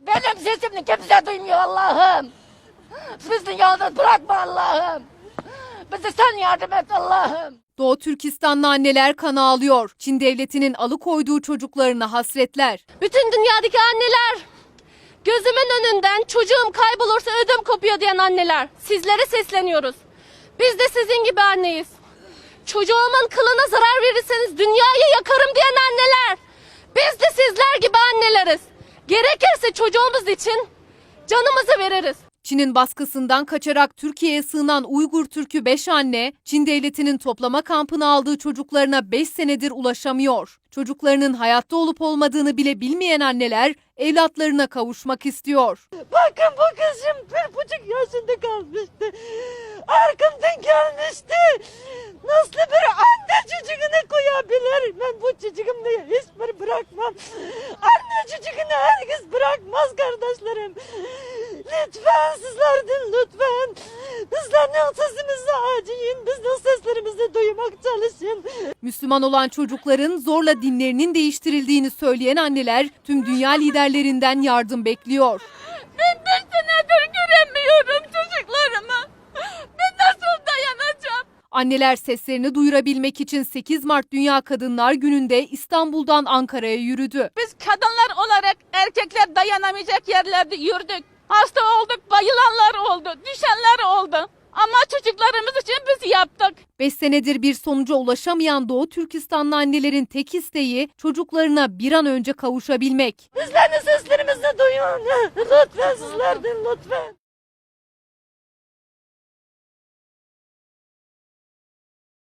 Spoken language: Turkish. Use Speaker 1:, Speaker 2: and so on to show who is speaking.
Speaker 1: Benim sesimi kimse duymuyor Allah'ım. Bizi yalnız bırakma Allah'ım. Bize sen yardım et Allah'ım.
Speaker 2: Doğu Türkistanlı anneler kan ağlıyor. Çin devletinin alıkoyduğu çocuklarına hasretler.
Speaker 3: Bütün dünyadaki anneler, gözümün önünden çocuğum kaybolursa ödüm kopuyor diyen anneler. Sizlere sesleniyoruz. Biz de sizin gibi anneyiz. Çocuğumun kılına zarar verirseniz dünyayı yakarım diyen anneler. Biz de sizler gibi anneleriz. Gerekirse çocuğumuz için canımızı veririz.
Speaker 2: Çin'in baskısından kaçarak Türkiye'ye sığınan Uygur Türk'ü 5 anne, Çin devletinin toplama kampına aldığı çocuklarına 5 senedir ulaşamıyor. Çocuklarının hayatta olup olmadığını bile bilmeyen anneler evlatlarına kavuşmak istiyor.
Speaker 1: Bakın bu kızım 1,5 yaşında kalmıştı. Arkamdan gelmişti. Nasıl bir anne çocuğunu koyabilir? Ben bu çocuğumla hiçbir bırakmam. Anne çocuğunu herkes bırakmaz kardeşlerim. Lütfen sizlerden lütfen. Bizden sesimizi acıyın. Biz de seslerimizi duymak çalışın.
Speaker 2: Müslüman olan çocukların zorla dinlerinin değiştirildiğini söyleyen anneler tüm dünya liderlerinden yardım bekliyor.
Speaker 3: Ben 5 senedir göremiyorum çocuklarımı. Ben nasıl dayanacağım?
Speaker 2: Anneler seslerini duyurabilmek için 8 Mart Dünya Kadınlar Günü'nde İstanbul'dan Ankara'ya yürüdü.
Speaker 3: Biz kadınlar olarak erkekler dayanamayacak yerlerde yürüdük. Hasta olduk, bayılanlar oldu, düşenler oldu. Ama çocuklarımız için biz yaptık.
Speaker 2: 5 senedir bir sonuca ulaşamayan Doğu Türkistanlı annelerin tek isteği çocuklarına bir an önce kavuşabilmek.
Speaker 1: Bizlerin seslerimizi duyun. Lütfen sizlerden lütfen.